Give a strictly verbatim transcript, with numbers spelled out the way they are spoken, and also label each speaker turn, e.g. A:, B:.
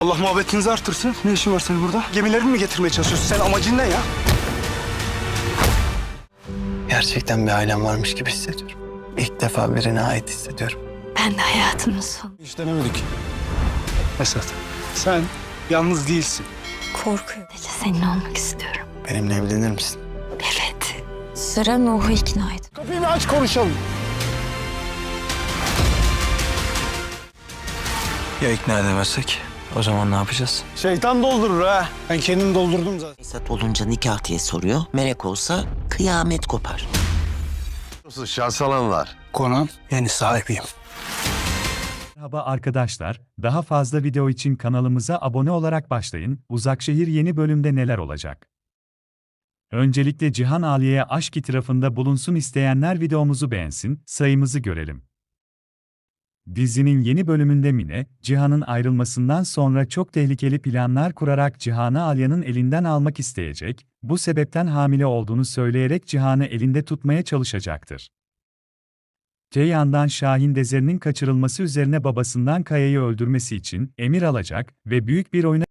A: Allah muhabbetinizi artırsın. Ne işin var senin burada? Gemilerini mi getirmeye çalışıyorsun? Sen amacın ne ya?
B: Gerçekten bir ailem varmış gibi hissediyorum. İlk defa birine ait hissediyorum.
C: Ben de hayatımın sonu.
A: Hiç denemedik. Esat, sen yalnız değilsin.
C: Korkuyorum. Seninle olmak istiyorum.
B: Benimle evlenir misin?
C: Evet. Sıra Nuh'u ikna et.
A: Kapıyı bir aç konuşalım.
B: Ya ikna edemezsek? O zaman ne yapacağız?
A: Şeytan doldurur ha. Ben kendim doldurdum zaten.
D: Esat olunca nikah diye soruyor. Melek olsa kıyamet kopar.
E: Şans alanlar.
A: Konan yeni sahibiyim.
F: Merhaba arkadaşlar, daha fazla video için kanalımıza abone olarak başlayın. Uzakşehir yeni bölümde neler olacak? Öncelikle Cihan Aliye'ye aşk itirafında bulunsun isteyenler videomuzu beğensin, sayımızı görelim. Dizinin yeni bölümünde Mine, Cihan'ın ayrılmasından sonra çok tehlikeli planlar kurarak Cihan'ı Alya'nın elinden almak isteyecek, bu sebepten hamile olduğunu söyleyerek Cihan'ı elinde tutmaya çalışacaktır. Öte yandan Şahin Dezer'in kaçırılması üzerine babasından Kaya'yı öldürmesi için emir alacak ve büyük bir oyuna